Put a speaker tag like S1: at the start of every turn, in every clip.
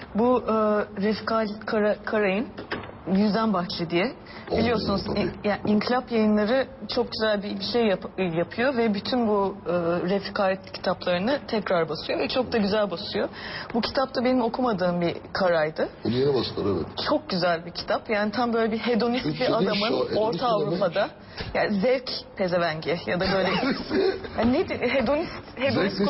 S1: Bu Refik Halit Karay'ın Yüzden Bahçe diye. Biliyorsunuz yani İnkılap Yayınları çok güzel bir şey yapıyor ve bütün bu Refik Halit kitaplarını tekrar basıyor ve çok da güzel basıyor. Bu kitap da benim okumadığım bir Karay'dı.
S2: Bunu yeni bastılar, evet.
S1: Çok güzel bir kitap. Yani tam böyle bir hedonist
S2: Türkçe
S1: bir
S2: değil,
S1: adamın Orta Avrupa'da. Yani zevk pezevengi ya da böyle yani neydi? Hedonist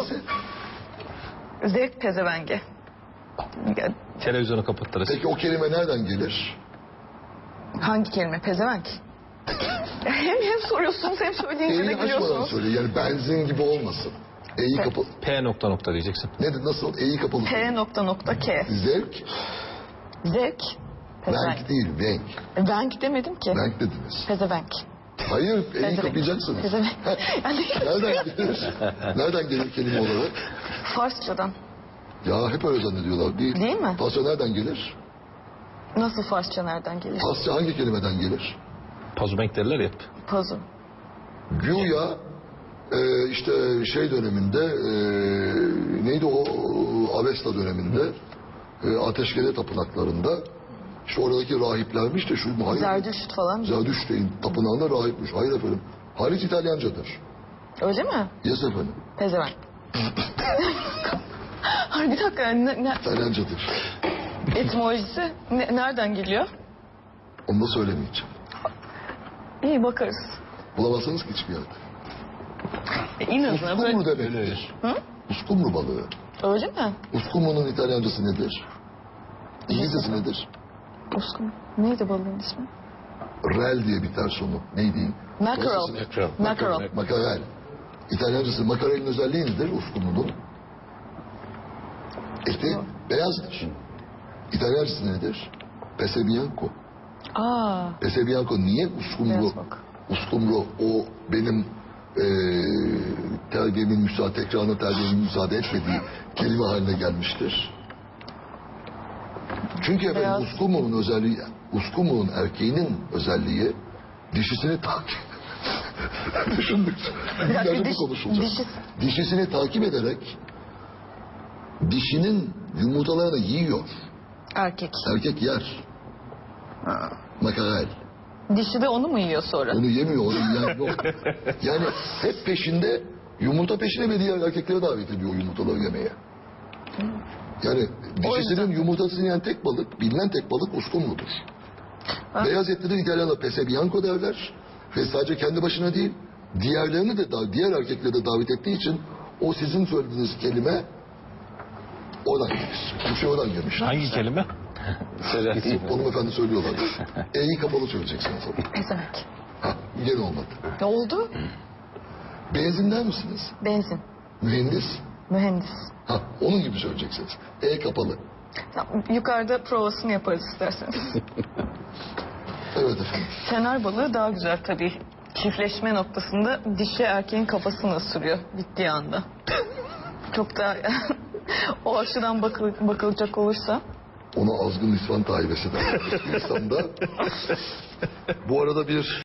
S1: zevk pezevengi. Yani,
S3: Televizyonu kapattırız.
S2: Peki o kelime nereden gelir?
S1: hangi kelime? Pezevenk. hem soruyorsunuz hem söyleyince de
S2: E'yi açmadan
S1: gülüyorsunuz.
S2: söyle. Yani benzin gibi olmasın. E'yi kapalı.
S3: P nokta nokta diyeceksin.
S2: Nedir, nasıl? E'yi kapalı.
S1: P.K.
S2: Zevk.
S1: Zevk. Pezevenk.
S2: Venk değil, venk.
S1: Venk demedim ki.
S2: Venk dediniz.
S1: Pezevenk.
S2: Hayır, E'yi
S1: Pezevenk.
S2: kapayacaksınız.
S1: Pezevenk. Yani
S2: Nereden gelir? Nereden gelir kelime olarak?
S1: Farsçadan.
S2: Ya hep öyle zannediyorlar. Değil.
S1: Değil mi?
S2: Farsça nereden gelir?
S1: Nasıl Farsça nereden gelir?
S2: Farsça hangi kelimeden gelir?
S3: Pazubank derler ya.
S1: Pazu.
S2: Güya işte şey döneminde neydi o Avesta döneminde ateşkele tapınaklarında işte oradaki rahiplermiş de şu hayır,
S1: Zerdüşt falan.
S2: Zerdüşt'in tapınağında rahipmiş. Hayır efendim. Halit İtalyancadır.
S1: Öyle mi?
S2: Yes efendim.
S1: Pezevenk. Hayır bir dakika yani
S2: İtalyancadır.
S1: etimolojisi nereden geliyor?
S2: Onu da söylemeyeceğim.
S1: İyi bakarız.
S2: Bulamazsanız ki hiçbir yerde.
S1: İnadına
S2: Uskumru
S1: böyle.
S2: demektir.
S1: Hı?
S2: Uskumru balığı.
S1: Öyle mi?
S2: Uskumru'nun İtalyancası nedir? İngilizcesi nedir?
S1: Uskun. Neydi balığın ismi?
S2: Rel diye biter sonu. Neydi?
S1: Mackerel.
S3: Mackerel.
S1: Mackerel.
S2: Makarel. İtalyancası makarelin özelliği nedir uskumrunun? Eti beyazdır. İtalyancası nedir? Pesebianco.
S1: Aa.
S2: Pesebianco niye uskumru?
S1: Beyaz bak.
S2: Uskumru o benim terbiyemin müsaade, tekrarına terbiyemin müsaade etmediği kelime haline gelmiştir. Çünkü efendim
S1: Beyaz.
S2: uskumru'nun özelliği, uskumru'nun erkeğinin özelliği dişisini takip düşündükçe bu konuşulacak. Dişisini takip ederek dişinin yumurtalarını yiyor.
S1: Erkek.
S2: Erkek yer. Makarel.
S1: Dişi de onu mu yiyor sonra?
S2: Onu yemiyor, onu yiyen yok. Yani hep peşinde, yumurta peşine ve diğer erkeklere davet ediyor yumurtaları yemeye. Yani dişisinin yumurtasını yiyen tek balık, bilinen tek balık uskumrudur. Beyaz etlidir İtalyanlar pesebianco derler. Ve sadece kendi başına değil, diğerlerini de diğer erkekleri de davet ettiği için o sizin söylediğiniz kelime oradan gelir. Bu şey oradan gelmiş.
S3: Hangi kelime?
S2: Hanımefendi söylüyorlar. E'yi kapalı söyleyeceksiniz.
S1: Pezevenk.
S2: Ha, gene olmadı.
S1: Ne oldu?
S2: Benzin der misiniz?
S1: Benzin.
S2: Mühendis.
S1: Mühendis.
S2: Ha, onun gibi söyleyeceksiniz. E kapalı.
S1: Tamam, yukarıda provasını yaparız isterseniz.
S2: Evet efendim.
S1: Fener balığı daha güzel tabii. Çiftleşme noktasında dişi erkeğin kafasını ısırıyor bittiği anda. Çok da o açıdan bakılacak olursa.
S2: Ona azgın nisvan taibesi der. İnsanda. Bu arada bir